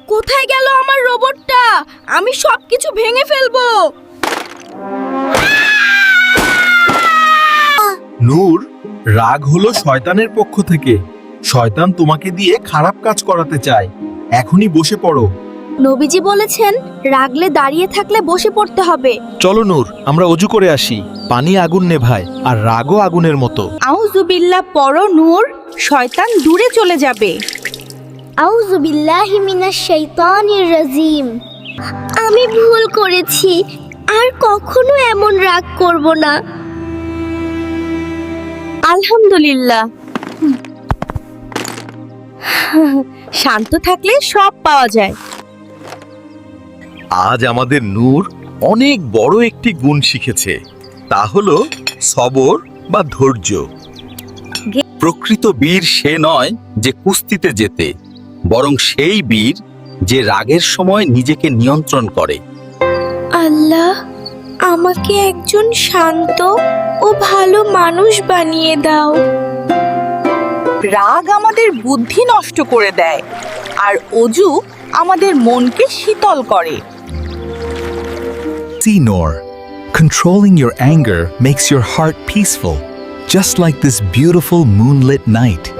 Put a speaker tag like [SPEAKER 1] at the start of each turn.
[SPEAKER 1] কোথায় গেল আমার রোবটটা? আমি সবকিছু ভেঙে ফেলবো।
[SPEAKER 2] নূর, রাগ হলো শয়তানের পক্ষ থেকে। শয়তান তোমাকে দিয়ে খারাপ কাজ করাতে চায়। এখনই বসে পড়ো।
[SPEAKER 1] নবীজি বলেছেন রাগলে দাঁড়িয়ে থাকলে বসে পড়তে হবে।
[SPEAKER 2] চলো নূর, আমরা অজু করে আসি। পানি আগুন নেভায়, আর রাগও আগুনের মতো।
[SPEAKER 1] আউযুবিল্লাহ পড়ো নূর, শয়তান দূরে চলে যাবে।
[SPEAKER 3] আউযু বিল্লাহি মিনাশ শাইতানির রাজিম। আমি ভুল করেছি, আর কখনো এমন রাগ করব না।
[SPEAKER 1] আলহামদুলিল্লাহ। শান্ত থাকলে সব পাওয়া যায়।
[SPEAKER 2] আজ আমাদের নূর অনেক বড় একটি গুণ শিখেছে। তা হলো সবর বা ধৈর্য। প্রকৃত বীর সে নয় যে কুস্তিতে জেতে, বরং সেই বীর যে রাগের সময় নিজেকে নিয়ন্ত্রণ করে।
[SPEAKER 1] আল্লাহ, আমাকে একজন শান্ত ও ভালো মানুষ বানিয়ে দাও। রাগ আমাদের বুদ্ধি নষ্ট করে দেয়, আর অজু আমাদের মনকে শীতল করে।
[SPEAKER 4] See, Noor, controlling your anger makes your heart peaceful, just like this beautiful moonlit night.